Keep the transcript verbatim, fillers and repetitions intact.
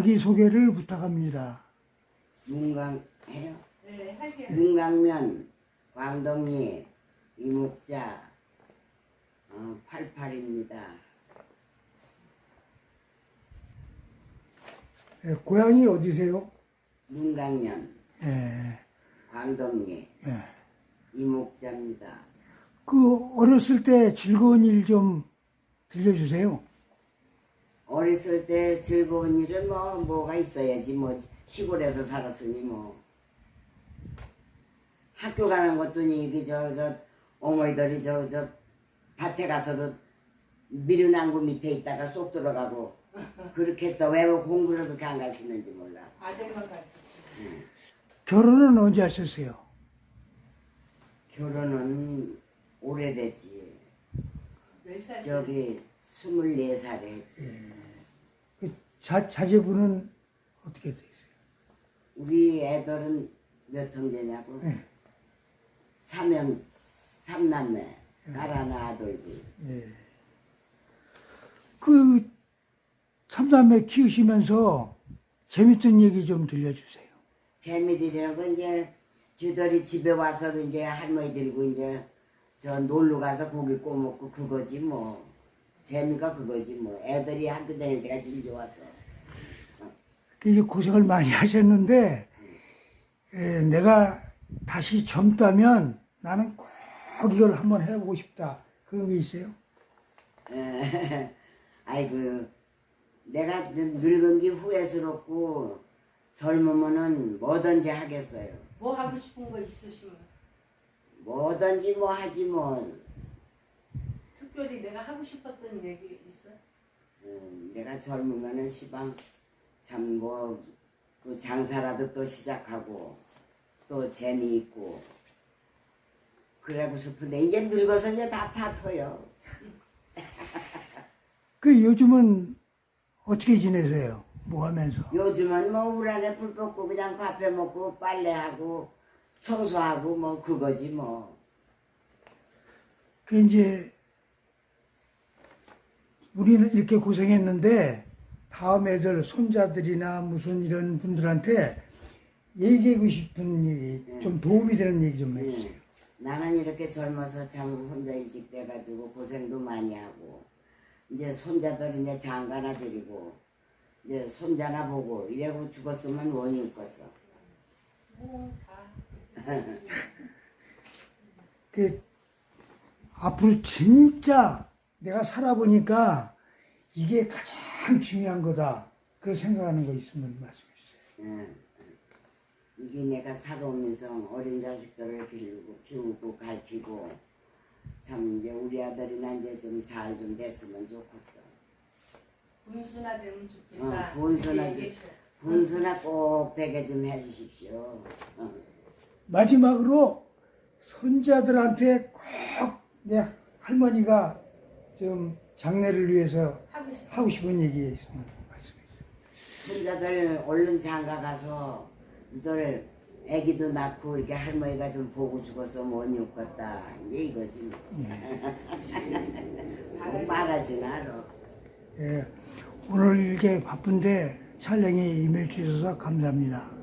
자기소개를 부탁합니다. 문강 해요? 네, 하세요. 문강면 광덕리 이목자 어, 팔십팔입니다. 예, 고향이 어디세요? 문강면 예, 광덕리 예. 이목자입니다. 그 어렸을 때 즐거운 일 좀 들려주세요. 어렸을 때 즐거운 일은 뭐 뭐가 있어야지. 뭐 시골에서 살았으니 뭐 학교 가는 것도 이게 저저 어머니들이 저 저 밭에 가서도 미루나무 밑에 있다가 쏙 들어가고 그렇게 해서 왜 공부를 그렇게 안 가르치는지 몰라. 아들만 가르쳐. 결혼은 언제 하셨어요? 결혼은 오래됐지. 몇 살? 저기 스물네 살에 했지. 그 자, 자제분은 어떻게 되세요? 우리 애들은 몇 형제냐고? 예. 삼형, 삼남매, 딸 하나 아들 둘. 예. 그 삼남매 키우시면서 재밌던 얘기 좀 들려주세요. 재미들이라는 건 이제 쥐들이 집에 와서 이제 할머니 들고 이제 저 놀러 가서 고기 구워 먹고 그거지 뭐. 재미가 그거지 뭐. 애들이 학교 다닐 때가 제일 좋았어. 그 이제 고생을 많이 하셨는데 예, 내가 다시 젊다면 나는 꼭 이걸 한번 해보고 싶다. 그런 게 있어요? 에, 아이고 내가 늙은 게 후회스럽고 젊으면은 뭐든지 하겠어요. 뭐 하고 싶은 거 있으시면 뭐든지 뭐 하지 뭐. 특별히 내가 하고 싶었던 얘기 있어? 음, 내가 젊으면은 시방 참 뭐 그 장사라도 또 시작하고 또 재미있고 그러고 싶은데 이제 늙어서 이제 다 파토요. 그 요즘은 어떻게 지내세요? 뭐 하면서? 요즘은 뭐 울 안에 불 뻗고 그냥 밥해 먹고 빨래하고 청소하고 뭐 그거지 뭐. 그 이제 우리는 이렇게 고생했는데 다음 애들 손자들이나 무슨 이런 분들한테 얘기하고 싶은 얘기, 좀 도움이 되는 얘기 좀 해주세요. 음, 나는 이렇게 젊어서 참 혼자 일찍 돼가지고 고생도 많이 하고 이제 손자들 이제 장가나 드리고 이제 손자나 보고 이래고 죽었으면 원인 껐어. 뭐다 그 앞으로 진짜 내가 살아보니까 이게 가장 중요한 거다. 그런 생각하는 거 있으면 말씀해 주세요. 예. 이게 내가 살아오면서 어린 자식들을 기르고 키우고 가르치고 참 이제 우리 아들이나 이제 좀 잘 좀 됐으면 좋겠어. 분수나 되면 좋겠다. 어, 분수나 이렇게 좀- 얘기해줘. 분수나 꼭 베개 좀 해주십시오. 어. 마지막으로 손자들한테 꼭 내 할머니가 좀 장래를 위해서 하고 싶은 하고 싶은 얘기 있으면 말씀해 주세요. 손자들 얼른 장가 가서 이들 애기도 낳고 이렇게 할머니가 좀 보고 죽어서 못 욕겠다 이제 이거지. 뭐 말하진 않아. 예, 오늘 이렇게 바쁜데 촬영에 임해 주셔서 감사합니다.